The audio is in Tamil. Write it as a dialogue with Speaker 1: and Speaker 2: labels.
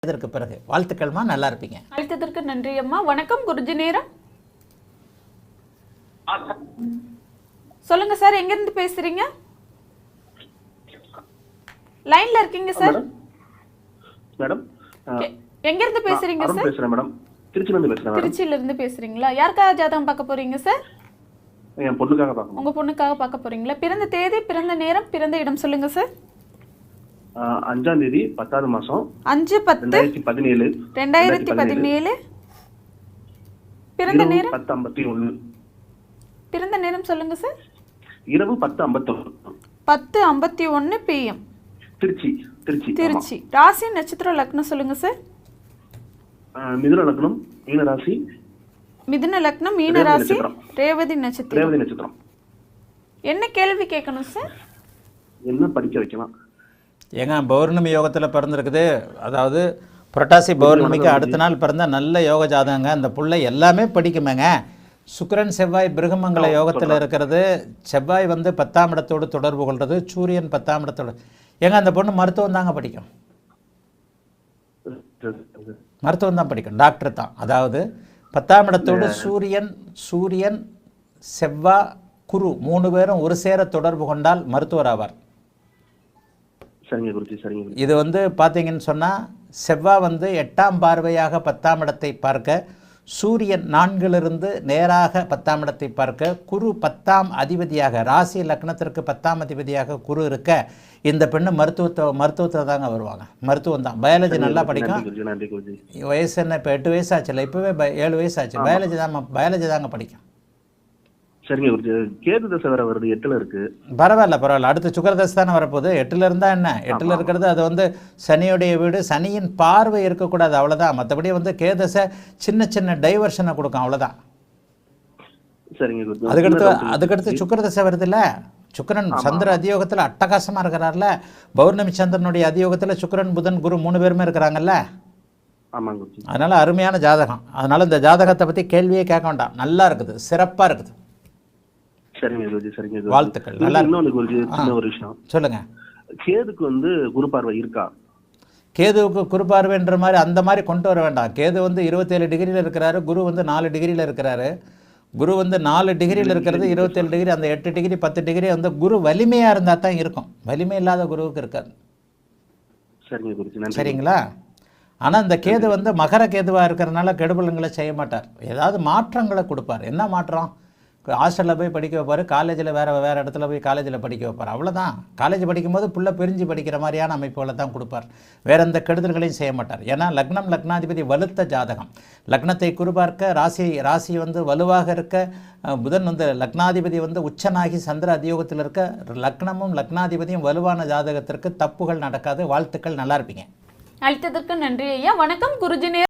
Speaker 1: இதற்கு பிறகு வாழ்த்துக்கள்மா, நல்லா இருப்பீங்க.
Speaker 2: அழைத்ததற்கு நன்றி அம்மா. வணக்கம் குருஜி நேரம். சொல்லுங்க சார், எங்க இருந்து பேசுறீங்க? லைன்ல இருக்கீங்க சார்.
Speaker 3: மேடம்
Speaker 2: எங்க இருந்து பேசுறீங்க சார்?
Speaker 3: பேசுறேன் மேடம். திருச்சியில இருந்து பேசுறேன்.
Speaker 2: திருச்சியில இருந்து பேசுறீங்களா? யாருக்காக ஜாதகம் பார்க்க போறீங்க சார்?
Speaker 3: என் பொண்ணுக்காக பார்க்கணும்.
Speaker 2: உங்க பொண்ணுக்காக பார்க்க போறீங்களா? பிறந்த தேதி, பிறந்த நேரம், பிறந்த இடம் சொல்லுங்க சார்.
Speaker 3: 5ஆம் தேதி 10வது மாசம்
Speaker 2: 5/10/2017. பிறந்த நேரம்
Speaker 3: 10:51.
Speaker 2: பிறந்த நேரம் சொல்லுங்க சார்.
Speaker 3: இரவு 10:51.
Speaker 2: 10:51 PM.
Speaker 3: திருச்சி.
Speaker 2: ராசி நட்சத்திரம் லக்னம் சொல்லுங்க சார்.
Speaker 3: மிதுன லக்னம் மீன ராசி.
Speaker 2: மிதுன லக்னம் மீன ராசி ரேவதி நட்சத்திரம். என்ன கேள்வி கேட்கணும் சார்?
Speaker 3: என்ன படிக்க வைக்கலாம்?
Speaker 1: ஏங்க பௌர்ணமி யோகத்தில் பிறந்திருக்குது. அதாவது புரட்டாசி பௌர்ணமிக்கு அடுத்த நாள் பிறந்த நல்ல யோக ஜாதகங்க. அந்த புள்ளை எல்லாமே படிக்குமேங்க. சுக்கிரன் செவ்வாய் பிருகமங்கல யோகத்தில் இருக்கிறது. செவ்வாய் வந்து 10ஆம் இடத்தோடு தொடர்பு கொள்வது. சூரியன் 10ஆம் இடத்தோடு. ஏங்க அந்த பொண்ணு மருத்துவம் தாங்க படிக்கும். மருத்துவம் தான் படிக்கும், டாக்டர் தான். அதாவது 10ஆம் இடத்தோடு சூரியன் செவ்வாய் குரு 3 பேரும் ஒரு சேர தொடர்பு கொண்டால் மருத்துவர் ஆவார். இது வந்து பார்த்தீங்கன்னு சொன்னால் செவ்வாய் வந்து 8ஆம் பார்வையாக 10ஆம் இடத்தை பார்க்க, சூரியன் 4லிருந்து நேராக 10ஆம் இடத்தை பார்க்க, குரு 10ஆம் அதிபதியாக ராசி லக்னத்திற்கு 10ஆம் அதிபதியாக குரு இருக்க, இந்த பெண்ணு மருத்துவத்தை தாங்க வருவாங்க. மருத்துவம் தான். பயாலஜி நல்லா படிக்கும். வயசு என்ன, இப்போ 8 வயசு ஆச்சுல்ல, இப்போவே 7 வயசு ஆச்சு. பயாலஜி தாங்க படிக்கும்.
Speaker 3: சரிங்க குருஜி. கேது தசை வேற வருது, 8ல இருக்கு.
Speaker 1: பரவாயில்ல. அடுத்து சுக்கிர தசை தானே வரப்போகுது. 8ல இருந்தா என்ன, 8ல இருக்கிறது அது வந்து சனியுடைய வீடு. சனியின் பார்வை இருக்கக்கூடாது, அவ்வளோதான். மற்றபடி வந்து கேதசை சின்ன டைவர்ஷனை கொடுக்கும், அவ்வளோதான்.
Speaker 3: சரிங்க குருஜி.
Speaker 1: அதுக்கடுத்து சுக்கிர தசை வருது இல்லை. சுக்கிரன் சந்திர அதியோகத்தில் அட்டகாசமாக இருக்கிறார்ல. பௌர்ணமி சந்திரனுடைய அதியோகத்தில் சுக்கிரன் புதன் குரு 3 பேருமே இருக்கிறாங்கல்ல. அதனால அருமையான ஜாதகம். அதனால இந்த ஜாதகத்தை பற்றி கேள்வியே கேட்க வேண்டாம். நல்லா இருக்குது, சிறப்பாக இருக்குது. வாழ்த்துக்கள். நல்லா
Speaker 3: ஒரு விஷயம்
Speaker 1: சொல்லுங்க.
Speaker 3: கேதுக்கு வந்து குரு பார்வை இருக்கா?
Speaker 1: கேதுவுக்கு குரு பார்வைன்ற மாதிரி அந்த மாதிரி கொண்டு வர வேண்டாம். கேது வந்து 27 டிகிரியில் இருக்கிறாரு. குரு வந்து 4 டிகிரியில் இருக்கிறாரு. குரு வந்து 4 டிகிரியில் இருக்கிறது, 27 டிகிரி. அந்த 8 டிகிரி 10 டிகிரி வந்து குரு வலிமையாக இருந்தால் தான் இருக்கும். வலிமை இல்லாத குருவுக்கு இருக்காது. சரிங்களா? ஆனால் இந்த கேது வந்து மகர கேதுவாக இருக்கிறதுனால கெடுபலங்களை செய்ய மாட்டார். ஏதாவது மாற்றங்களை கொடுப்பார். என்ன மாற்றம்? ஹாஸ்டலில் போய் படிக்க வைப்பார். காலேஜில் வேறு இடத்துல போய் காலேஜில் படிக்க வைப்பார். அவ்வளோதான். காலேஜ் படிக்கும்போது புள்ள பிரிஞ்சு படிக்கிற மாதிரியான அமைப்புகளை தான் கொடுப்பார். வேறு எந்த கெடுதல்களையும் செய்ய மாட்டார். ஏன்னா லக்னாதிபதி வலுத்த ஜாதகம். லக்னத்தை குறிபார்க்க ராசி வந்து வலுவாக இருக்க, புதன் வந்து லக்னாதிபதி வந்து உச்சனாகி சந்திர அதியோகத்தில் இருக்க, லக்னமும் லக்னாதிபதியும் வலுவான ஜாதகத்திற்கு தப்புகள் நடக்காது. வாழ்த்துக்கள், நல்லா இருப்பீங்க.
Speaker 2: அழைத்ததற்கு நன்றி ஐயா. வணக்கம் குருஜி.